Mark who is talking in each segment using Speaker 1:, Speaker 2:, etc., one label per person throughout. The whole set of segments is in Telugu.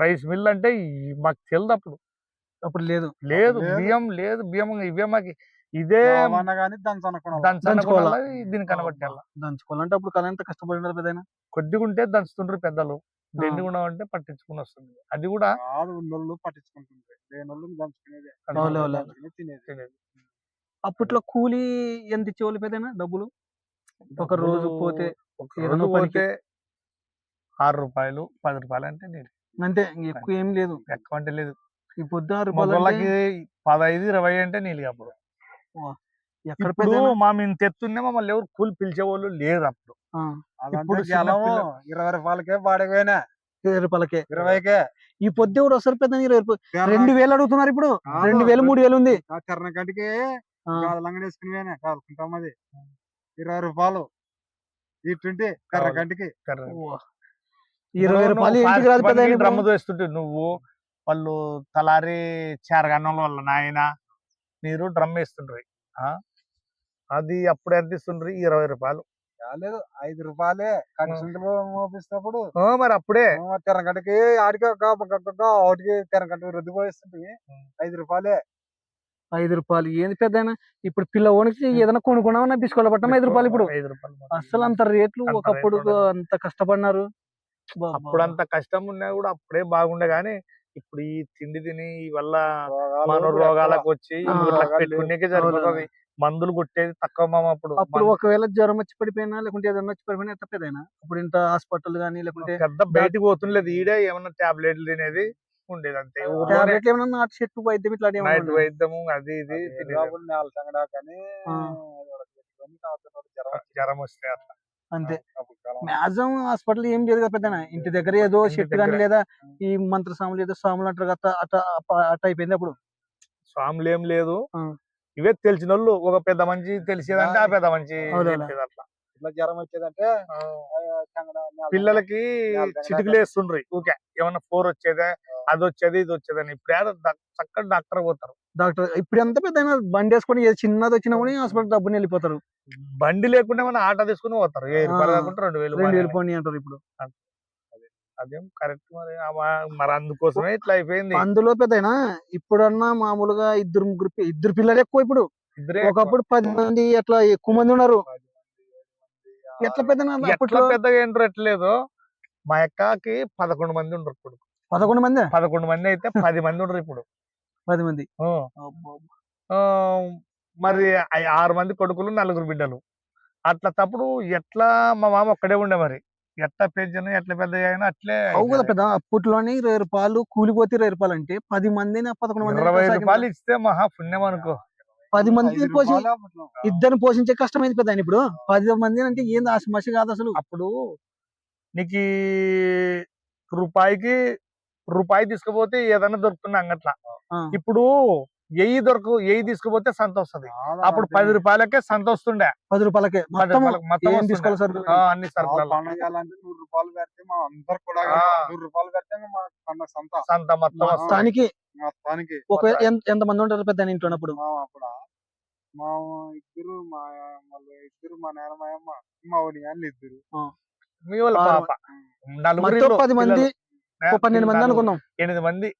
Speaker 1: రైస్ మిల్ అంటే మాకు తెలియదు అప్పుడు.
Speaker 2: అప్పుడు లేదు.
Speaker 1: లేదు బియ్యం లేదు, బియ్యం ఇవే మాకు ఇదే దంచనుకోవాలా దీన్ని కనబట్టాల.
Speaker 2: దంచుకోవాలంటే అప్పుడు కళ ఎంత కష్టపడినారు పెద్దయినా.
Speaker 1: కొద్దిగా ఉంటే దంచుతుండ్రు పెద్దలు, దండిగా అంటే పట్టించుకుని వస్తుంది. అది కూడా
Speaker 2: అప్పట్లో కూలీ ఎంత ఇచ్చేవాళ్ళు పెద్దయినా డబ్బులు? ఒక రోజు పోతే
Speaker 1: పోతే 6 రూపాయలు 10 రూపాయలు అంటే నీళ్ళు
Speaker 2: అంతే, ఎక్కువ ఏం లేదు.
Speaker 1: ఎక్కువ అంటే లేదు.
Speaker 2: ఈ పొద్దు 6
Speaker 1: రూపాయలకి 15-20 అంటే నీళ్ళు. అప్పుడు
Speaker 2: ఎక్కడ
Speaker 1: మేము తెస్తుండే మమ్మల్ని ఎవరు కూలి పిలిచేవాళ్ళు లేదు అప్పుడు.
Speaker 2: ఇప్పుడు 20 రూపాయలకే బాడకపోయినా 20 రూపాయలకే 20కే ఈ పొద్దు ఎవరు వస్తారు పెద్ద 2000 అడుగుతున్నారు. ఇప్పుడు 2000 3000 ఉంది. కర్ణకంటికి లంగడేసుకుని కాదుకుంటామది 20 రూపాయలు ఇటుంటే కర్రకంటికి 20 రూపాయలు ఇంటికి రాదు పెద్ద.
Speaker 1: డ్రమ్ము వేస్తుంటే నువ్వు వాళ్ళు తలారి చేరగన్నం వల్ల నాయన మీరు డ్రమ్ వేస్తుండ్రి. అది అప్పుడు ఎంత ఇస్తుండ్రి? 20 రూపాయలు.
Speaker 2: రాలేదు 5 రూపాయలే మోపిస్తున్నప్పుడు.
Speaker 1: మరి అప్పుడే
Speaker 2: తెరగంటకి ఆడికి తెరగంట రుద్ది పోయిస్తుంది 5 రూపాయలే. 5 రూపాయలు ఏంది పెద్దయినా? ఇప్పుడు పిల్లవానికి ఏదైనా కొనుక్కున్నామన్నా బిస్కెట్ పట్టడం 5 రూపాయలు. ఇప్పుడు
Speaker 1: 5 రూపాయలు
Speaker 2: అసలు అంత రేట్లు. ఒకప్పుడు అంత కష్టపడినారు.
Speaker 1: అప్పుడు అంత కష్టం ఉన్నా కూడా అప్పుడే బాగుండే. గానీ ఇప్పుడు ఈ తిండి తిని వల్ల మన రోగాలకు వచ్చి పెట్టుకునేకే సరిపోతుంది. మందులు కొట్టేది తక్కువ.
Speaker 2: అప్పుడు ఒకవేళ జ్వరం వచ్చి పడిపోయినా లేకుంటే ఏదన్నా వచ్చి పడిపోయినా ఎంత పెద్దయినా అప్పుడు ఇంత హాస్పిటల్ గానీ లేకుంటే
Speaker 1: పెద్ద బయటకు పోతుండలేదు. ఈడే ఏమన్నా టాబ్లెట్లు తినేది ఉండేది అంతే.
Speaker 2: ఏమన్నా నాటు చెట్టు వైద్యం ఇట్లా
Speaker 1: వైద్యము అది ఇది జ్వరం వస్తే అట్లా
Speaker 2: అంతే. మ్యాక్సిమం హాస్పిటల్ ఏం లేదు కదా పెద్దనా. ఇంటి దగ్గర ఏదో చెట్టు కానీ లేదా ఈ మంత్ర స్వాములు ఏదో స్వాములు అంటారు కదా అట్ట అయిపోయింది. అప్పుడు
Speaker 1: స్వాములు ఏం లేదు. ఇవే తెలిసిన వాళ్ళు ఒక పెద్ద మంచి తెలిసేదంటే ఆ పెద్ద మంచి అట్లా.
Speaker 2: ఇట్లా జ్వరం వచ్చేదంటే
Speaker 1: పిల్లలకి చిటికలు వేస్తుండ్రి ఊకే. ఏమన్నా 4 వచ్చేదే అది వచ్చేది ఇది వచ్చేదని. ఇప్పుడు చక్కటి డాక్టర్ పోతారు.
Speaker 2: ఇప్పుడు ఎంత పెద్ద బండి వేసుకొని చిన్నది వచ్చినా కూడా హాస్పిటల్ డబ్బుని వెళ్ళిపోతారు.
Speaker 1: బండి లేకుండా ఏమన్నా ఆటో తీసుకుని పోతారు. 2000
Speaker 2: పోనీ అంటారు ఇప్పుడు.
Speaker 1: అదేం కరెక్ట్. మరి అందుకోసమే ఇట్లా అయిపోయింది.
Speaker 2: అందులో పెద్దయినా ఇప్పుడన్నా మామూలుగా 2 పిల్లలు ఎక్కువ. ఇప్పుడు ఒకప్పుడు 10 మంది అట్లా ఎక్కువ మంది ఉన్నారు. ఎట్లా
Speaker 1: పెద్దగా ఏంటో ఎట్లేదు. మా అక్కకి 11 మంది ఉండరు. ఇప్పుడు 11 మంది అయితే 10 మంది ఉండరు. ఇప్పుడు
Speaker 2: 10 మంది.
Speaker 1: మరి 6 మంది కొడుకులు 4 బిడ్డలు. అట్లా తప్పుడు ఎట్లా మా మామ ఒక్కడే ఉండే. మరి ఎట్లా పెంచను ఎట్లా పెద్ద అయినా అట్లే
Speaker 2: కదా పెద్ద. అప్పట్లోని 20 రూపాయలు కూలిపోతే 20 రూపాయలు అంటే 10 మందిని 11 మంది
Speaker 1: 20 రూపాయలు ఇస్తే మహా పుణ్యం అనుకో.
Speaker 2: 10 మంది ఇద్దరిని పోషించే కష్టమైంది పెద్ద. ఇప్పుడు 10 మంది అంటే ఏంది ఆశమసి కాదు అసలు.
Speaker 1: అప్పుడు నీకు రూపాయి తీసుకుపోతే ఏదైనా దొరుకుతుంది అంగట్లా. ఇప్పుడు 1000 తీసుకుపోతే సంత వస్తుంది. అప్పుడు 10 రూపాయలకే సంత వస్తుండే.
Speaker 2: 10 రూపాయలకే
Speaker 1: అన్ని సరుకులు
Speaker 2: 100 రూపాయలు పెడితే మా అందరు కూడా 100 రూపాయలు పెడితే సంత మొత్తానికి. ఎంత మంది ఉంటారు పెద్ద ఇంట్లో? అప్పుడు మా ఇద్దరు మా నాన్న మా అమ్మ మా ఊరి ఇద్దరు
Speaker 1: మీ వాళ్ళ పాప
Speaker 2: 10 మంది 12 మంది అనుకున్నాం.
Speaker 1: 8 మంది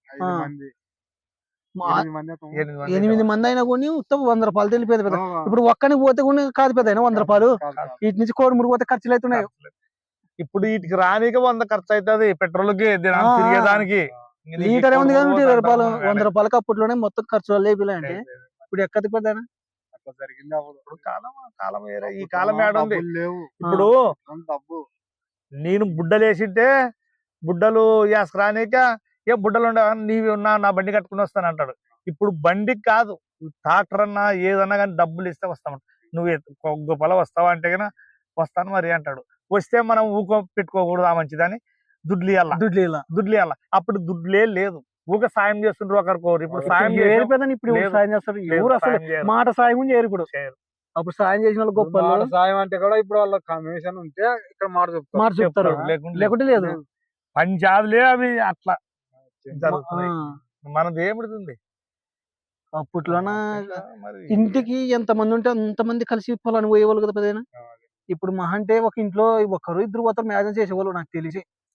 Speaker 2: 8 మంది అయినా కొన్ని ఉత్తమ 100 రూపాయలు తెలిపేది పెద్ద. ఇప్పుడు ఒక్కనికి పోతే కూడా కాదు పెద్ద 100 రూపాయలు. వీటి నుంచి కోడి పోతే ఖర్చులు అవుతున్నాయి.
Speaker 1: ఇప్పుడు వీటికి రానికే 100 ఖర్చు అవుతుంది. పెట్రోల్ కి తిరిగేదానికి
Speaker 2: లీటర్ ఏముంది కానీ 20 రూపాయలు 100 రూపాయలకి అప్పట్లోనే మొత్తం ఖర్చు లేపిలాంటి. ఇప్పుడు ఎక్కడికి పెద్ద అట్లా జరిగింది. అప్పుడు
Speaker 1: కాలం వేరే, ఈ కాలం ఏడుంది. ఇప్పుడు నేను బుడ్డలు వేసింటే బుడ్డలు వేసుకురానిక ఏ బుడ్డలు ఉండవు. నీవి ఉన్నా నా బండి కట్టుకుని వస్తాను అంటాడు. ఇప్పుడు బండికి కాదు ట్రాక్టర్ అన్నా ఏదన్నా కానీ డబ్బులు ఇస్తే వస్తామంట. నువ్వు గొప్పల వస్తావా అంటే కన్నా వస్తాను మరి అంటాడు. వస్తే మనం ఊకో పెట్టుకోకూడదు. ఆ మంచిదని దుడ్లు ఇవ్వాల. అప్పుడు దుడ్లే లేదు. ఊక సాయం చేస్తుండ్రు ఒకరికొకరు. ఇప్పుడు సాయం
Speaker 2: చేస్తారు. ఎవరు అసలు మాట సాయం చేయరు. ఇప్పుడు అప్పుడు సాయం చేసిన వాళ్ళు గొప్ప. సాయం అంటే కూడా ఇప్పుడు వాళ్ళ కమిషన్ ఉంటే ఇక్కడ మాట చెప్తారు. లేకుంటే లేదు.
Speaker 1: పంచాదులే అవి అట్లా జరుగుతున్నాయి. మనది ఏమిడుతుంది.
Speaker 2: అప్పట్లోన ఇంటికి ఎంత మంది ఉంటే అంత మంది కలిసి పొలాన్ని పోయేవాళ్ళు కదా పెద్దయినా. ఇప్పుడు మహా అంటే ఒక ఇంట్లో 1 2 పోతారు మ్యారేజ్ చేసేవాళ్ళు నాకు తెలిసి.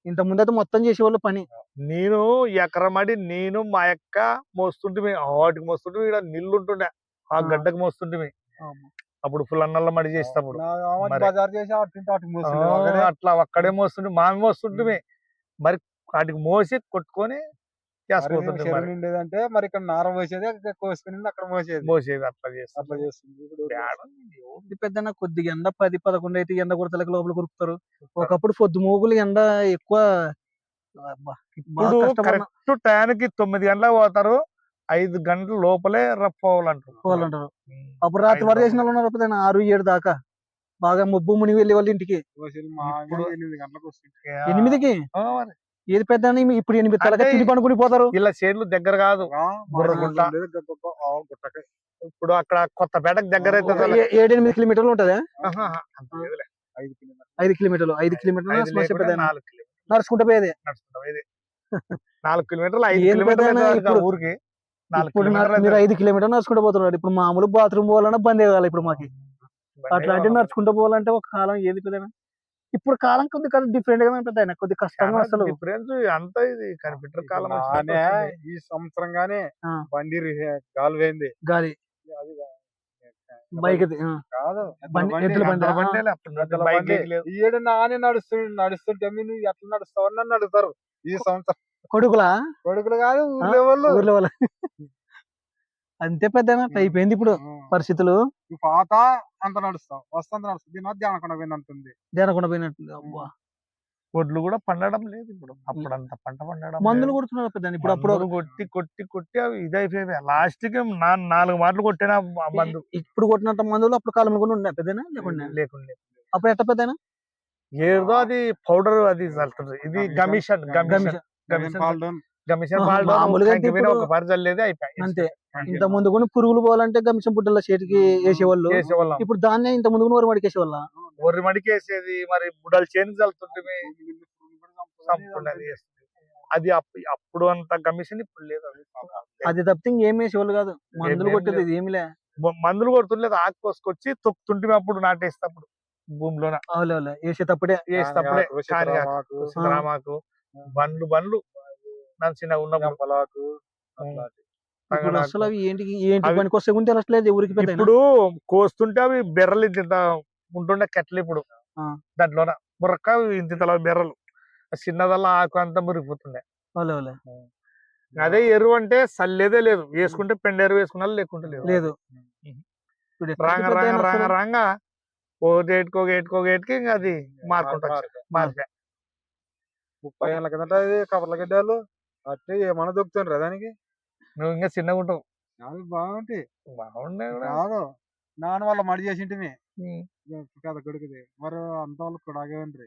Speaker 2: ఇంత ముందైతే మొత్తం చేసేవాళ్ళు పని.
Speaker 1: నేను ఎకరమడి నేను మా అక్క మోస్తుంటే వాటికి మోస్తుంటే ఈడ నీళ్లు ఉంటుండే ఆ గడ్డకు మోస్తుంటే అప్పుడు ఫుల్ అన్నల్ల మడి చేసేటప్పుడు మరి.
Speaker 2: బజార్ చేసి
Speaker 1: అట్లా అక్కడే మోస్తుంటే మామి మోస్తుంటే మరి వాటికి మోసి కొట్టుకొని చేసుకుంటుంటే మరి
Speaker 2: ఉండేదంటే మరి ఇక్కడ నార పోసేది కోసుకుని అక్కడ
Speaker 1: మోసేది అట్లా చేస్తాం.
Speaker 2: అట్లా చేస్తుంది. పెద్ద కొద్దిగా ఎండ 10-11 అయితే ఎండ కొడతలకి లోపల కొరుకుతారు. ఒకప్పుడు పొద్దు మోగులు ఎండ ఎక్కువ. అబ్బా, బాగా
Speaker 1: ఇప్పుడు
Speaker 2: కష్టపడిన
Speaker 1: కరెక్ట్ టైంకి 9 గంటలకు పోతారు, 5 గంటల లోపలే రప్పోవాలంటారు.
Speaker 2: పోవాలంటారు. అప్పుడు రాత్రి వరకు చేసిన వాళ్ళు ఉన్నారు పెద్ద 6-7 దాకా బాగా ముబ్బు మునిగి వెళ్ళే వాళ్ళు ఇంటికి.
Speaker 1: ఇప్పుడు
Speaker 2: 8కి
Speaker 1: ఆ మరి.
Speaker 2: ఏది పెద్ద ఇప్పుడు 8 తలక
Speaker 1: అంటే
Speaker 2: తిని పనుకుని పోతారు.
Speaker 1: ఇలా చేనులు దగ్గర కాదు, బుర్రగుంట. ఇప్పుడు అక్కడ కొత్తపేటకు దగ్గర అయితే
Speaker 2: 7-8 కిలోమీటర్లు ఉంటదా?
Speaker 1: 5
Speaker 2: 5 కిలోమీటర్లు 5 కిలోమీటర్లు
Speaker 1: 4 కిలోమీటర్లు
Speaker 2: నడుచుకుంటూ పోయేది.
Speaker 1: 4 కిలోమీటర్లు 5
Speaker 2: ఏం పెద్దనా
Speaker 1: కిలోమీటర్లు
Speaker 2: ఇప్పుడు?
Speaker 1: ఊరికి 4
Speaker 2: ఇప్పుడు
Speaker 1: కిలోమీటర్లు
Speaker 2: మీరు 5 కిలోమీటర్లు నడుచుకుంటూ పోతున్నారు. ఇప్పుడు మామూలు బాత్రూమ్ పోవాలన్నా బంద్ కావాలి ఇప్పుడు మాకు. అట్లాంటివి నడుచుకుంటూ పోవాలంటే ఒక కాలం ఏది పెద్దనా. ఇప్పుడు కాలం కొద్దిగా డిఫరెంట్ గా పెద్ద కొద్ది కష్టంగా అసలు
Speaker 1: డిఫరెన్స్ అంతా ఇది కంప్యూటర్ కాలం
Speaker 2: ఈ సంవత్సరం గానే బండి గాలి పోయింది. గాలి బైక్ కాదు ఎద్దుల బండి. ఈడు నానే నడుస్తుంటే నువ్వు ఎట్లా నడుస్తావు అని అడుగుతారు ఈ సంవత్సరం. కొడుకులు కాదు ఊర్లో వాళ్ళు. అంతే పెద్ద అయిపోయింది ఇప్పుడు పరిస్థితులు. పాత అంత నడుస్తాం వస్తుంది నడుస్తుంది దీని ధ్యానకొండ పోయింది అంటుంది. ధ్యానకొండ పోయినట్టుంది. అబ్బా,
Speaker 1: ఒడ్లు కూడా పండడం లేదు ఇప్పుడు. అప్పుడు అంత పంట పండడం
Speaker 2: మందులు కొడుతున్నారు పెద్ద. ఇప్పుడు అప్పుడు
Speaker 1: కొట్టి కొట్టి కొట్టి అవి ఇదైపోయాయి. లాస్ట్ కి 4 మాటలు కొట్టిన మందు.
Speaker 2: ఇప్పుడు కొట్టినంత మందులు అప్పుడు కాలంలో కూడా ఉన్నాయి పెద్దనా లేకుండా. అప్పుడు ఎట్ట పెద్దనా
Speaker 1: ఏదో అది పౌడర్ అది చల్లుతుంది. ఇది గమిషన్ ఒక పరిచలేదు అయిపోయి
Speaker 2: అంతే. ఇంత ముందు కూడా పురుగులు పోవాలంటే గమిషన్ బుడ్డల చేతికి వేసేవాళ్ళు. ఇప్పుడు దాన్ని ఇంత ముందు వరి మడికి వేసేవాళ్ళ.
Speaker 1: వరి మడికి వేసేది మరి బుడ్డల చేతి చల్లుతుంటే అది అప్పుడు అంత గమిషన్ ఇప్పుడు లేదు.
Speaker 2: అది తప్పితే ఇంకేం వేసేవాళ్ళు కాదు. మందులు కొట్టేది ఏమి లే.
Speaker 1: మందులు కొడుతుండలేదు. ఆకు కోసుకొచ్చి తొక్కుతుంటే అప్పుడు నాటేస్తప్పుడు భూమిలోన
Speaker 2: వేసేటప్పుడే
Speaker 1: రామాకు బండ్లు చిన్నగా ఉన్నప్పుడు.
Speaker 2: అసలు అవి ఏంటి పనికి వస్తే కూడా తెలుస్తలేదు ఎవరికి.
Speaker 1: ఇప్పుడు కోస్తుంటే అవి బెర్రలు ఇంత ఉంటుండే కట్టలు. ఇప్పుడు దాంట్లోన బుర్రక ఇంత బెర్రలు చిన్నదల్లా ఆకు అంతా మురిగిపోతుండే. అదే ఎరువు అంటే సల్లేదే లేదు. వేసుకుంటే పెండ ఎరువు వేసుకున్నా లేకుంటే లేదు. రాంగా ఓ గేట్కి ఇంకా అది మార్కుంటా మార్పే.
Speaker 2: 30 ఏళ్ళ కిందట కవర్ల గడ్డాలు అట్టే ఏమన్నా దొక్కుతుండ్రా దానికి.
Speaker 1: నువ్వు ఇంకా చిన్నగా ఉంటావు.
Speaker 2: బాగుంటాయి కాదు నాన్న వాళ్ళ మడి చేసింటివి కదా కొడుకుది. మరి అంత వాళ్ళు కూడా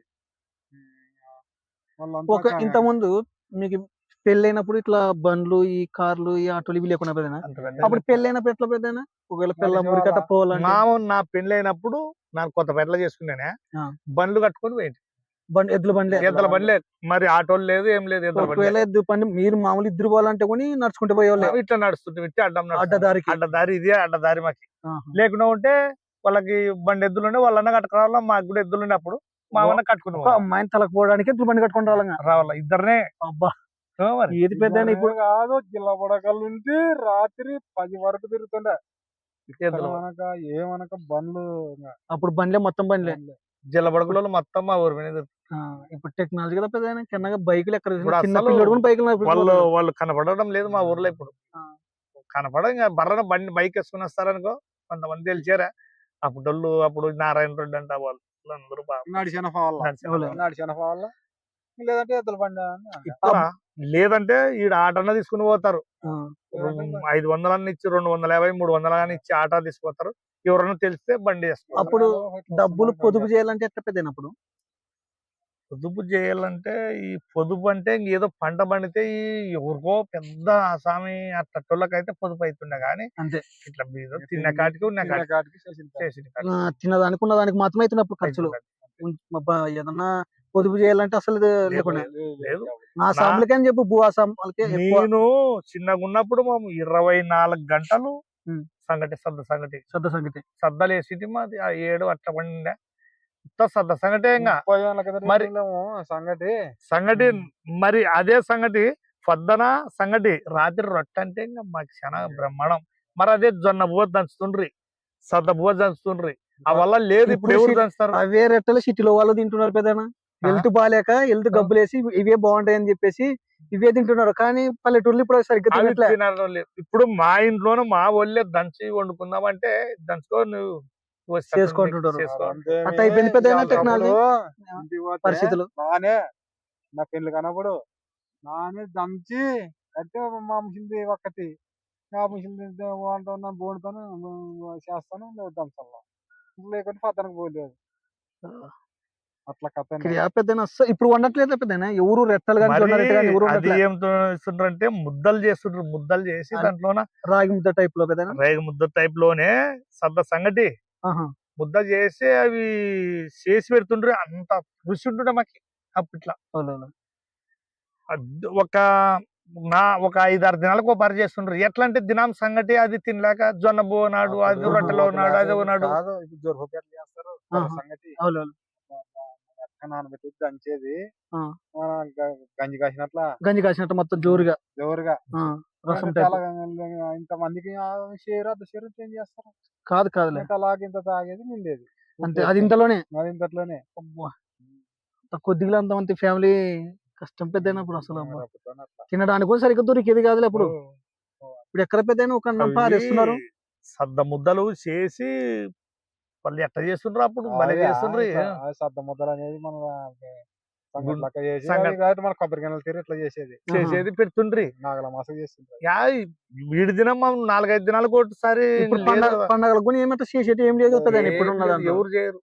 Speaker 2: వాళ్ళంతా ఇంత ముందు మీకు పెళ్ళైనప్పుడు ఇట్లా బండ్లు ఈ కార్లు ఈ ఆటోలు ఇవి లేకుండా పెద్దనా. అప్పుడు పెళ్ళైనప్పుడు ఎట్లా పెద్దనా ఒకవేళ పిల్ల మురికట్ట పోవాలంటే.
Speaker 1: నా పెళ్లి అయినప్పుడు నాకు కొత్త పెట్ల చేసుకున్నానే బండ్లు కట్టుకొని పోయింది.
Speaker 2: ఎద్దుల
Speaker 1: బండ్లే మరి ఆటోలు లేదు ఏం లేదు.
Speaker 2: ఎద్దు బండి మీరు మామూలు ఇద్దరు పోవాలంటే కూడా నడుచుకుంటూ పోయేవాళ్ళు.
Speaker 1: ఇట్లా నడుస్తుంటే అడ్డదారి ఇదే అడ్డదారి మాకి. లేకుండా ఉంటే వాళ్ళకి బండి ఎద్దులు ఉండే వాళ్ళన్న కట్టుకోవాలా. మాకు కూడా ఎద్దులు ఉండే అప్పుడు మా అన్న కట్టుకుని
Speaker 2: అమ్మాయిని తలకు పోవడానికి ఎద్దుల బండి కట్టుకుని
Speaker 1: రావాలా ఇద్దరినే.
Speaker 2: అబ్బా, ఏది పెద్ద ఇప్పుడు కాదు. జిల్లా బుడకల నుంచి రాత్రి 10 వరకు తిరుగుతుండే ఏమనక బండ్లు. అప్పుడు బండ్లే మొత్తం బండ్లే.
Speaker 1: జిల్లబడుగులో మొత్తం మా ఊరి మీద.
Speaker 2: ఇప్పుడు టెక్నాలజీ కదా పెద్ద చిన్నగా బైకులు ఎక్కడ బైకులు
Speaker 1: వాళ్ళు కనపడడం లేదు మా ఊర్లో. ఇప్పుడు కనపడ బర్రన బండి బైక్ వేసుకుని వస్తారనుకో కొంతమంది తెలిసారా. అప్పుడు నారాయణ రెడ్డి అంటే వాళ్ళు అందరూ లేదంటే ఈడ ఆటన్న తీసుకుని పోతారు. 500 అన్న ఇచ్చి 250 300 ఇచ్చి ఆటో తీసుకుపోతారు. ఎవరన్నా తెలిస్తే బండి వేస్తారు.
Speaker 2: అప్పుడు డబ్బులు పొదుపు చేయాలంటే ఎట్లా పెద్దనప్పుడు
Speaker 1: పొదుపు చేయాలంటే ఈ పొదుపు అంటే ఏదో పంట పండితే ఎవరికో పెద్ద ఆసామి అట్టోళ్ళకైతే పొదుపు అవుతుండే కానీ
Speaker 2: అంతే.
Speaker 1: ఇట్లా తిన్న కాటికి
Speaker 2: తినదానికి ఉన్న దానికి మాత్రమే అవుతున్నప్పుడు ఖర్చులు. ఏదన్నా పొదుపు చేయాలంటే అసలు లేకుండా
Speaker 1: లేదు.
Speaker 2: నా సాంపులకి అని చెప్పు భూ ఆసాంపులకి.
Speaker 1: నేను చిన్నగా ఉన్నప్పుడు మేము 24 గంటలు సంగటి సద్దలు వేసి మాది 7 అట్లా పండిండే. సద్ద సంగటే ఇంకా
Speaker 2: 30 ఏళ్ళ కిందట
Speaker 1: మరి-
Speaker 2: వెళ్ళాము సంగటి
Speaker 1: సంగటి మరి అదే సంగటి పొద్దున సంగటి రాత్రి రొట్టె అంటే ఇంకా మాకు చాలా బ్రహ్మాండం. మరి అదే జొన్న బువ్వ దంచుతుండ్రి, సద్ద బువ్వ దంచుతుండ్రి. ఆ వల్ల లేదు ఇప్పుడు ఎవరు దంచుతారు?
Speaker 2: అవే రెట్టలు సిటీలో వాళ్ళు తింటున్నారు పెద్దనా. హెల్త్ బాగాలేక హెల్త్ గబ్బులేసి ఇవే బాగుంటాయి అని చెప్పేసి ఇవే తింటున్నారు. కానీ పల్లెటూర్లు ఇప్పుడు సరిగ్గా
Speaker 1: అవి
Speaker 2: తినట్లే.
Speaker 1: తినడం లేదు. ఇప్పుడు మా ఇంట్లోనూ మా ఒళ్ళే దంచి వండుకుందామంటే దంచుకో నువ్వు వస్తే
Speaker 2: చేసుకుంటుంటారు.
Speaker 1: చేసుకో.
Speaker 2: అట్లా అయిపోయింది పెద్దయినా టెక్నాలజీ
Speaker 3: ఇంటికి పోతే
Speaker 2: పరిస్థితులు.
Speaker 3: నానే నా పెళ్లి కనప్పుడు నానే దంచి అంటే మా మిషన్ ఒక్కటి ఆ మిషన్ వండుతాను బోడుతాను చేస్తాను దంచాల లేకుంటే పద్దనకు పోలేదు అట్లా కథ
Speaker 2: పెద్దనా ఇప్పుడు వండట్లేదు పెద్దనా. ఎవరు రెట్టలు కానీ
Speaker 1: మరి
Speaker 2: జొన్న రొట్టె కానీ ఎవరు
Speaker 1: అది
Speaker 2: వండట్లేదు.
Speaker 1: ఏం చేస్తుండ్రంటే ముద్దలు చేస్తుండ్రు. ముద్దలు చేసి
Speaker 2: అది-
Speaker 1: దాంట్లోన
Speaker 2: రాగి ముద్ద టైప్ లో పెద్దనా.
Speaker 1: రేగు ముద్ద టైప్ లోనే సద్ద సంగటి
Speaker 2: ఆహా.
Speaker 1: ముద్ద చేసి అవి చేసి పెడుతుండ్రు. అంత రుచి ఉంటుండే మాకి అప్పట్లో.
Speaker 2: అవునవును.
Speaker 1: ఒక 5-6 దినాలకు ఒక పరి చేస్తుండ్రు. ఎట్లా అంటే దినం సంగటి అది తినలేక జొన్న బువ్వ నాడు, అది రొట్టెలో నాడు, అది నాడు.
Speaker 3: కాదు ఇప్పుడు జొరప ఎట్లా చేస్తారు
Speaker 2: ఆహా.
Speaker 3: సంగతి
Speaker 2: అవునవును.
Speaker 3: నానబెట్టి దంచేది
Speaker 2: ఆ.
Speaker 3: గంజి కాసినట్లా
Speaker 2: గంజి కాసినట్టు మొత్తం జోరుగా
Speaker 3: జోరుగా
Speaker 2: రసం
Speaker 3: చాలా
Speaker 2: టైప్.
Speaker 3: ఇంత మందికి షేర్ చేంజ్ చేస్తారు
Speaker 2: కాదు కాదులే.
Speaker 3: ఇంత అలాగే ఇంత తాగేది నిండేది
Speaker 2: అంతే అది ఇంతలోనే.
Speaker 3: మరి ఇంతట్లోనే
Speaker 2: కొద్దిగా అంతమంది ఫ్యామిలీ కష్టం పెద్దయినా ఇప్పుడు అసలు అబ్బా.
Speaker 3: అట్లా.
Speaker 2: తినడానికి కూడా సరిగ్గా దొరికేది కాదులే అప్పుడు. ఇప్పుడు ఎక్కడ పెద్దయినా ఒక అన్నం పారేస్తున్నారు.
Speaker 1: అవి సద్ద ముద్దలు చేసి వాళ్ళు ఎట్లా చేస్తుండ్రు అప్పుడు భలే చేస్తుండ్రు.
Speaker 3: సద్ద ముద్దలు అనేది మన సంగటి లెక్క చేసి
Speaker 1: సంగటి.
Speaker 3: అవి కాదు మన కొబ్బరి గిన్నెలు తీరు ఇట్లా చేసేది
Speaker 1: చేసేది పెడుతుండ్రి.
Speaker 3: నాగల మాస చేస్తుంటారు
Speaker 1: యా వీడి దినం మనం 4-5 దినాలకు ఒకసారి
Speaker 2: ఇప్పుడు
Speaker 1: లేదు.
Speaker 2: పండగలకు కూడా ఏమంటే చేసేటి ఏం లేదు పెద్దయినా ఇప్పుడు ఉన్న దాంట్లో.
Speaker 1: ఎవరు చేయరు.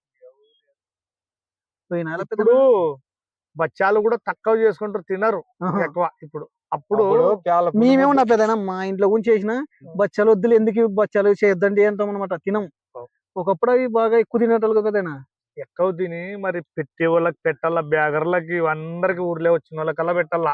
Speaker 2: పోయిన నెల
Speaker 1: ఇప్పుడు బచ్చాలు కూడా తక్కువ చేసుకుంటారు, తినరు
Speaker 2: ఆహా.
Speaker 1: ఎక్కువ. ఇప్పుడు అప్పుడు
Speaker 2: మేమేమన్నా పెద్దనా మా ఇంట్లో గురించి చేసిన బచ్చాలు వద్దులు ఎందుకు బచ్చాలు చేద్దండి అంటాం అనమాట. తినం. ఒకప్పుడు అవి బాగా ఎక్కువ తినేటోళ్ళు పెద్దనా.
Speaker 1: ఎక్కువ తిని మరి పెట్టే వాళ్ళకి పెట్టాలా, బ్యాగర్లకి అందరికి ఊర్లే వచ్చిన వాళ్ళకల్లా పెట్టాలా.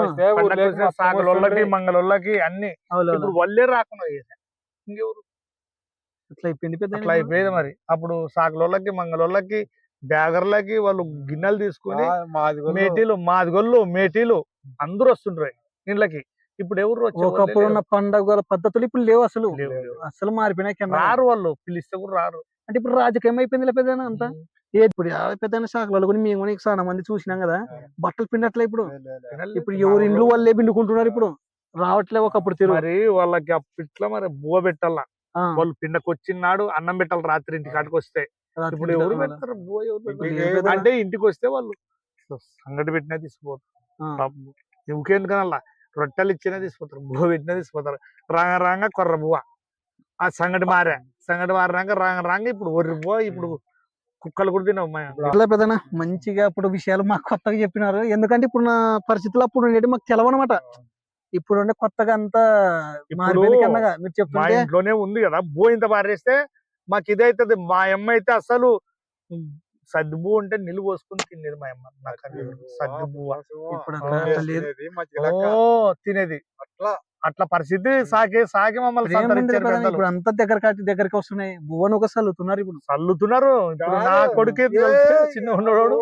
Speaker 1: సాగులోళ్ళకి మంగళోళ్ళకి అన్ని. ఇప్పుడు వల్లే రాకుండా చేశారు. ఇంకెవరు
Speaker 2: అట్లా అయిపోయింది పెద్ద.
Speaker 1: అట్లా అయిపోయేది మరి. అప్పుడు సాగులోళ్ళకి మంగళోళ్ళకి బ్యాగర్లకి వాళ్ళు గిన్నెలు తీసుకుని మేటీలు మాదిగోళ్ళు మేటీలు అందరూ వస్తుండ్రు ఇండ్లకి. ఇప్పుడు ఎవరు
Speaker 2: ఒకప్పుడు ఉన్న పండుగ పద్ధతులు ఇప్పుడు లేవు అసలు.
Speaker 1: లేవు.
Speaker 2: అసలు మారిపోయినాయి కింద.
Speaker 1: రారు, వాళ్ళు పిలిస్తే కూడా రారు.
Speaker 2: అంటే ఇప్పుడు రాజకీయం అయిపోయింది పెద్ద అంతా. ఇప్పుడు పెద్ద శాఖలు కూడా మేము కూడా చాలా మంది చూసినాం కదా. బట్టలు పిండట్లే ఇప్పుడు. ఇప్పుడు ఎవరు ఇండ్లు వాళ్ళే పిండుకుంటున్నారు ఇప్పుడు. రావట్లే ఒకప్పుడు తిరుగు.
Speaker 1: మరి వాళ్ళకి అప్పట్లో మరి బువ్వ పెట్టాలా, వాళ్ళు పిండకొచ్చినాడు అన్నం పెట్టాలి రాత్రి ఇంటికి కాటికి వస్తే. ఇప్పుడు ఎవరు పెడతారు బువ్వ? ఎవరు పెడతారు? అంటే ఇంటికి వస్తే వాళ్ళు సంగటి పెట్టినా తీసుకుపోతారు. ఇంకెందుకనల్లా రొట్టెలు ఇచ్చినా తీసుకుపోతారు, బువ్వ పెట్టినా తీసుకుపోతారు. రాంగ కొర్ర బువ్వ. ఆ సంగటి మారినాక రాంగ ఇప్పుడు ఒర్రి బువ్వ. ఇప్పుడు కుక్కలు కూడా తినవు.
Speaker 2: పెద్దనా మంచిగా ఇప్పుడు విషయాలు మాకు కొత్తగా చెప్పినారు. ఎందుకంటే ఇప్పుడు నా పరిస్థితులు అప్పుడు ఉండేది మాకు తెలవనమాట. ఇప్పుడు ఉండే కొత్తగా అంతా మారిపోయింది కన్నగా మీరు
Speaker 1: మా
Speaker 2: చెప్తుంటే.
Speaker 1: ఇంట్లోనే ఉంది కదా బువ్వ, ఇంత పారేస్తే మాకు ఇదైతుంది. మా అమ్మ అయితే అసలు సద్ది బువ్వ ఉంటే నిలు పోసుకుని తినేది మా అమ్మ. నాకు సద్ది బువ్వ
Speaker 2: ఇప్పుడు అట్లా లేదు.
Speaker 1: తినేది. అట్లా పరిస్థితి సాకి మమ్మల్ని సంతరించారు పెద్దలు.
Speaker 2: ఇప్పుడు అంతా దగ్గరికి వస్తున్నాయి. బువ్వను ఒక చల్లుతున్నారు ఇప్పుడు.
Speaker 1: చల్లుతున్నారు. ఇప్పుడు నా కొడుకే చిన్న ఉన్నవాడు